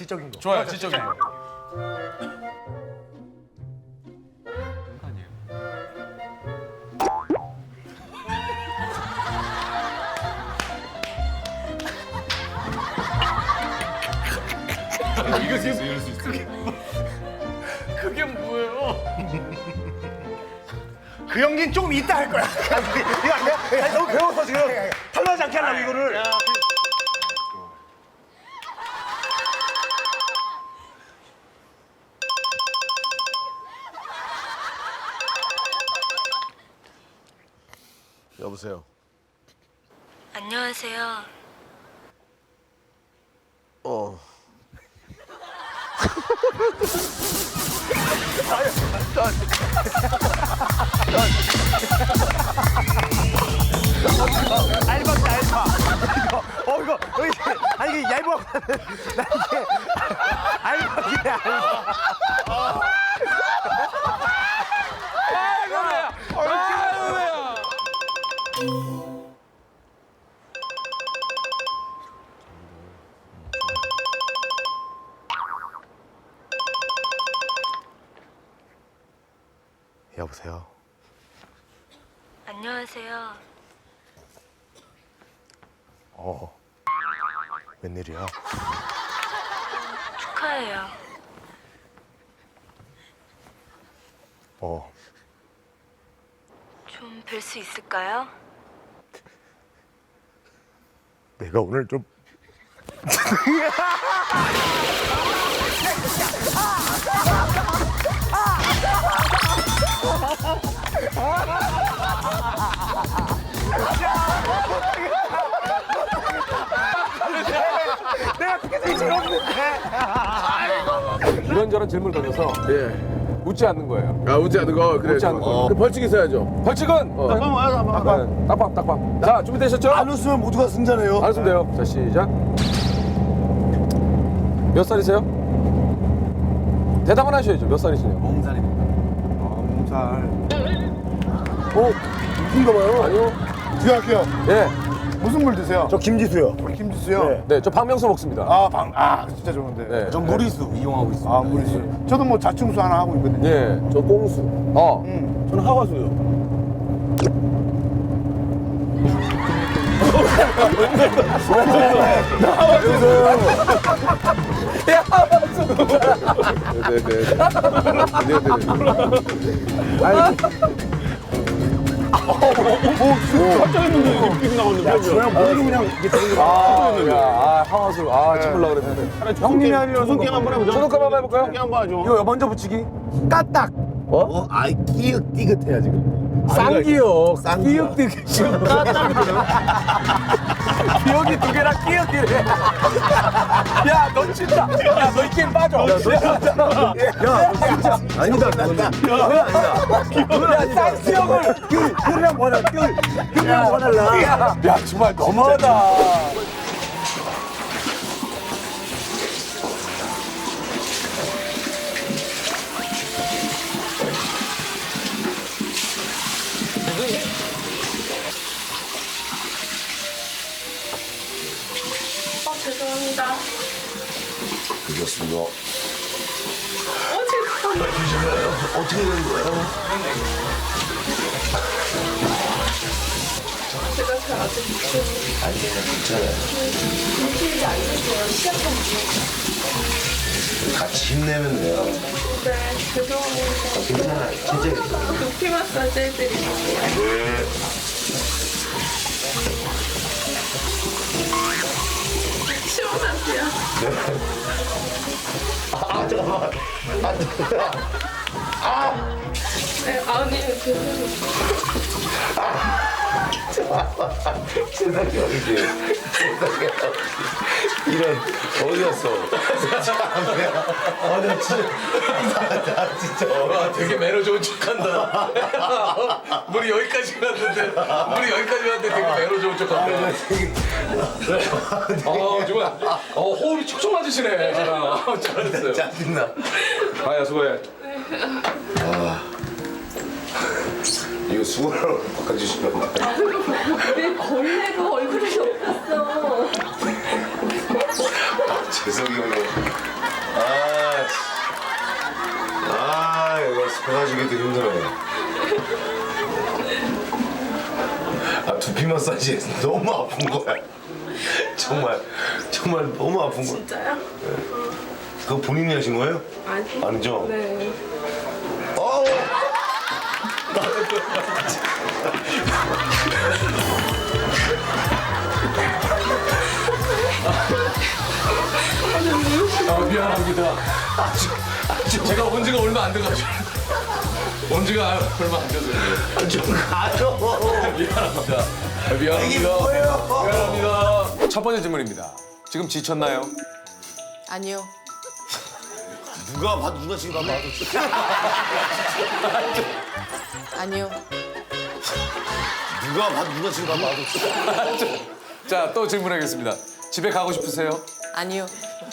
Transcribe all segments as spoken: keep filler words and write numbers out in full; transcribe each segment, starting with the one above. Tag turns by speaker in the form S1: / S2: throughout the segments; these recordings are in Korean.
S1: 지적인 거.
S2: 좋아요, 지적인 거.
S1: 이거 지금 이럴 수 있어. 그게 뭐예요? 그 연기는 조금 이따 할 거야. 이거 아니야? 아니, 너무 배워서 지금 탈락하지 않게 하려고 이거를.
S3: 여보세요.
S4: 안녕하세요.
S3: 어.
S1: 알바다 알바. 이거 어 이거 어, 이게 아니 이게 얇아. 나 이게 알바기네 알바.
S2: 아이고야, 아이고야.
S3: 여보세요.
S4: 안녕하세요.
S3: 어. 웬일이야?
S4: 축하해요.
S3: 어.
S4: 좀 뵐 수 있을까요?
S3: 내가 오늘 좀
S1: 내가 그게 되게 재밌는데.
S5: 이런저런 질문을 던져서
S3: 예.
S5: 웃지 않는 거예요.
S3: 아 웃지 않는 거 그래.
S5: 웃지 않는 거.
S3: 어. 그 벌칙 있어야죠.
S5: 벌칙은
S1: 잠깐만 와서 한번.
S5: 네, 딱밤 딱밤. 자 준비되셨죠?
S3: 안 웃으면 모두가 승자네요.
S5: 안 웃으면 돼요. 자 시작. 몇 살이세요? 대답은 하셔야죠. 몇 살이시냐고.
S1: 몸살입니다. 어, 몸살.
S3: 어? 웃긴가 봐요.
S5: 아니요.
S3: 들어갈게요.
S5: 예.
S3: 무슨 물 드세요? 저 김지수요. 김지수요? 네.
S5: 네, 저 박명수 먹습니다.
S3: 아, 방, 아, 진짜 좋은데.
S5: 네.
S3: 전 무리수 이용하고 있습니다. 아, 무리수. 저도 뭐 자충수 하나 하고 있거든요.
S5: 예. 저 꽁수. 어.
S3: 음, 저는 하와수요.
S5: 야, 박명수.
S3: 네네네. 네네. 아니, 그냥 머리로 그냥 이게 되는 거.
S5: 아, 야, 아, 하와수. 아, 찍으려고 그랬는데.
S3: 형님이 하려는
S6: 손 게임 한번 해보죠.
S5: 소독감 한번 해볼까요?
S6: 게임 한번 하죠.
S5: 이거 먼저 붙이기. 까딱.
S3: 어? 아이, 끼긋, 끼긋해야 지금.
S5: 쌍기역.
S3: 쌍기역.
S5: 끼역끼 지금 까딱이거든. 기억이 두 개랑 끼역끼래. 야, 너 진짜. 야, 너 이 게임 빠져. 야, 너 진짜.
S3: 야, 진짜. 아니다, 난다. 그건 아니다.
S5: 야, 쌍기역을.
S3: 귤, 귤이랑 뭐 하나, 귤. 귤이랑 뭐 달라.
S5: 야, 야, 정말 너무하다.
S4: 어, 죄송합니다.
S3: 그렇습니다.
S4: 어, 죄송합니다.
S3: 어떻게 된 거예요?
S4: 제가 잘 아직 못해요.
S3: 아니에요, 괜찮아요.
S4: 일주일이 안 됐어요. 시작한 지.
S3: 같이 힘내면 돼요.
S4: 네, 죄송합니다.
S3: 괜찮아요. 진짜 괜찮아요.
S4: 두피 마사지 해드릴게요.
S3: 네.
S4: 시원하세요?
S3: 아, 잠깐만. 아, 잠깐만.
S4: 네, 아니, 죄송해요.
S3: 세상에 어디지? 세상에 어디지? 이런, 어디였어? 참이야. 아, 나 진짜. 나, 나 진짜.
S2: 와, 되게 매너 좋은 척한다. 물이 여기까지 갔는데, 물이 여기까지 갔는데 되게 매너 좋은 척한다. 어, 정말, 어, 호흡이 촉촉 맞으시네. 아, 잘했어요.
S3: 짜증나.
S2: 아야, 수고해.
S3: 이거 수건으로 바꿔주시면 안 돼요?
S4: 왜 걸레가 얼굴에 덮였어?
S3: 재석이 형이 마사지 너무 아픈 거야. 정말 정말 너무 아픈 거야.
S4: 진짜요?
S3: 그거 본인이 하신 거예요?
S4: 아니.
S3: 아니죠?
S4: 네.
S3: 어우.
S2: 아, 미안합니다. 제가 온 지가 얼마 안 돼가지고. 온 지가 얼마 안 돼서 그래요.
S3: 좀 가죠.
S2: 미안합니다. 아,
S3: 이게
S2: 미안합니다.
S3: 뭐예요?
S2: 미안합니다. 첫 번째 질문입니다. 지금 지쳤나요?
S6: 아니요.
S3: 누가 봐도 누가 지금 봐도
S6: 아니요.
S3: 누가 봐도 누가 지금 봐도
S2: 자, 또 질문하겠습니다. 집에 가고 싶으세요?
S6: 아니요.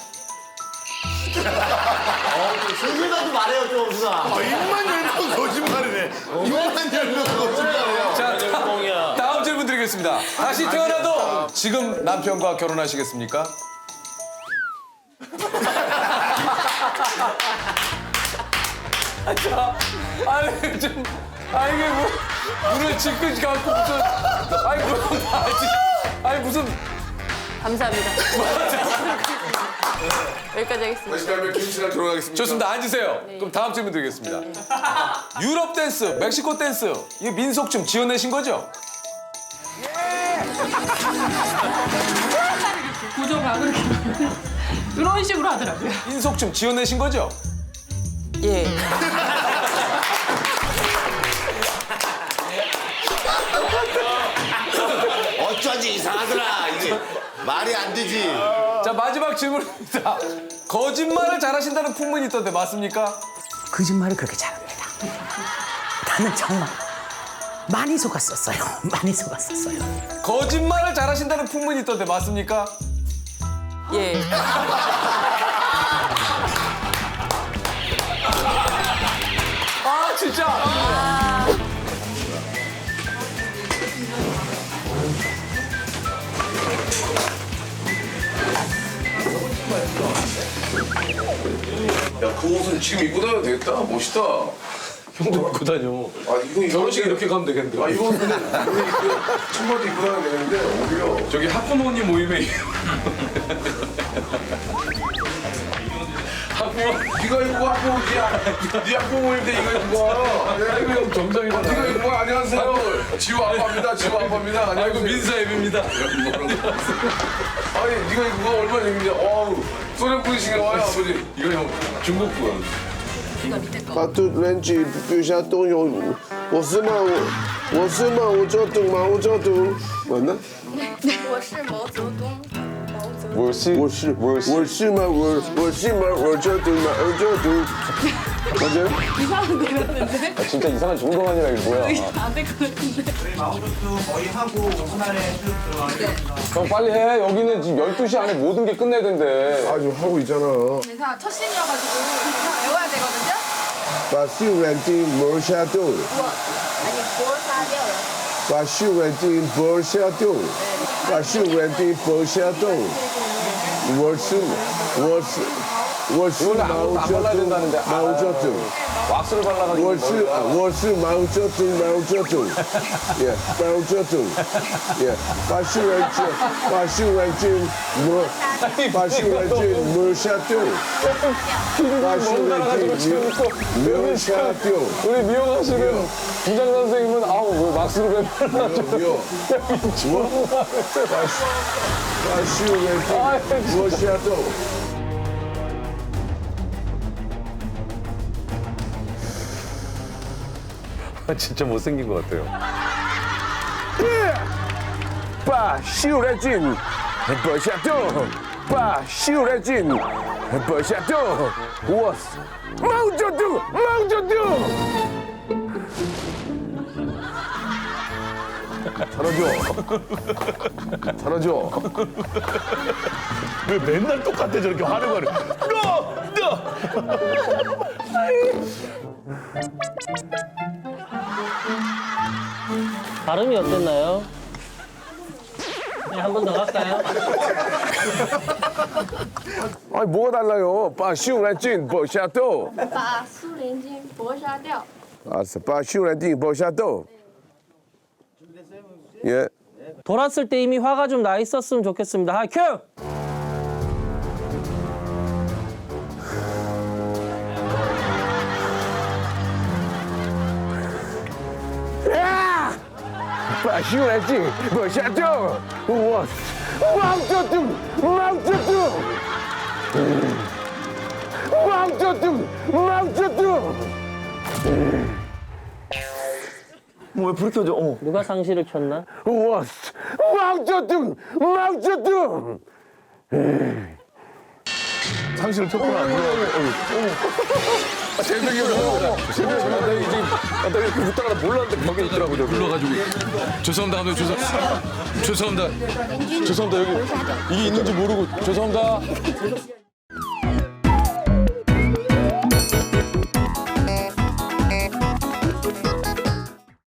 S3: 솔직하게 말해요 좀 누나. 아, 입만 열면 거짓말이네. 입만 열면 거짓말이에요.
S2: 자, 다, 다음 질문 드리겠습니다. 다시 태어나도 지금 남편과 결혼하시겠습니까? 아, 자, 아니 좀, 아 이게 뭐 눈을 지끈지 갖고 무슨, 아니 무슨, 아니 무슨.
S6: 감사합니다. 여기까지 하겠습니다.
S2: 다음에 김씨랑 결혼하겠습니다. 좋습니다. 앉으세요. 그럼 다음 질문 드리겠습니다. 유럽 댄스, 멕시코 댄스, 이게 민속춤 지어내신 거죠?
S7: 구조가 그렇게 이런 식으로 하더라고요.
S2: 민속춤 지어내신 거죠?
S6: 예.
S3: 어쩐지 이상하더라. 이게 말이 안 되지.
S2: 자, 마지막 질문입니다. 거짓말을 잘하신다는 풍문이 있던데 맞습니까?
S8: 거짓말을 그렇게 잘합니다. 나는 정말 많이 속았었어요. 많이 속았었어요.
S2: 거짓말을 잘하신다는 풍문이 있던데 맞습니까?
S6: 예.
S2: 아, 진짜. 야, 그 옷은 지금 입고 다녀도 되겠다. 멋있다. 형도 입고 다녀. 아, 이거 결혼식 이렇게 가면 되겠는데. 아, 이거 근데 청바지 입고 다녀도 되는데 오히려 저기 학부모님 모임에 학부모 네가 입고 가 학부모야. 네 학부모 모임 때 이거 입고 가. 아이고 형 정상이다. 네가 입고 가. 안녕하세요. 지호 아빠입니다. 지호 아빠입니다. 아이고 민사 앱입니다. 아니 네가 입고 가 얼마나 재밌냐. 어우 소련 분이신가 봐요 아버지. 이거 형 중국 분.
S9: 把肚人举比下都有，我是吗？我我是吗？我叫董吗？我叫董，完了，
S4: 我是毛泽东。毛泽东。
S9: 我是我是我是吗？我我是吗？我叫董吗？我叫董，맞아요?
S7: 이상한 데 같은데?
S2: 진짜 이상한 정동환이라 이게 뭐야?
S7: 안 될 것 같은데?
S2: 형 빨리 해. 여기는 지금 열두 시 안에 모든 게 끝내야 된대.
S9: 아주 하고 있잖아.
S4: 회사 첫 신이어가지고 외워야 되거든요.
S9: 把秀软丁磨下肚，
S4: 아니 보사掉.
S9: 把秀软丁磨下肚，把秀软丁磨下肚。我是我是我是毛泽东，毛泽东。
S2: 왁스를 발라가지고.
S9: 我是我是毛泽东，毛泽东，耶，毛泽东，耶，把秀软丁把秀软丁磨，把秀软丁磨下肚，把秀软丁磨磨下肚。
S2: 우리 미용하시는 부장 선생님은 아우 왜 왁스를 왜 발라줘?
S9: 有，我把把秀软丁磨下肚。
S2: 진짜 못생긴 것 같아요.
S9: 把秀软丁磨下肚，把秀软丁磨下肚。我毛泽东，毛泽东。 잘하죠? 잘하죠?
S3: 왜 맨날 똑같아 저렇게 하는 거를. 너 너.
S10: 발음이 어땠나요? 네, 한 번 더 갈까요?
S9: 아니 뭐가 달라요? 빠 시우란진 버샤도.
S4: 把苏联军搏杀掉.
S9: 알았어. 빠 시우란진 버샤도. 예.
S10: 돌았을 때 이미 화가 좀 나 있었으면 좋겠습니다. 하, 큐!
S9: 야! 把心来劲，往下掉，我往这走，往这走，往这走，往这走。
S3: 뭐왜 불이 켜져? 어.
S10: 누가 상시를 켰나?
S9: 我往这走，往这走。
S3: 상실을 켰구나.
S2: 아, 재석이 형. 재석이 형. 나 이제 아, 나 이렇게 웃다가 몰랐는데 벽에 있더라고. 저기. 불러가지고. 죄송합니다. 감독님. 죄송, 죄송합니다. 죄송합니다. 여기 이게 있는지 모르고 죄송합니다.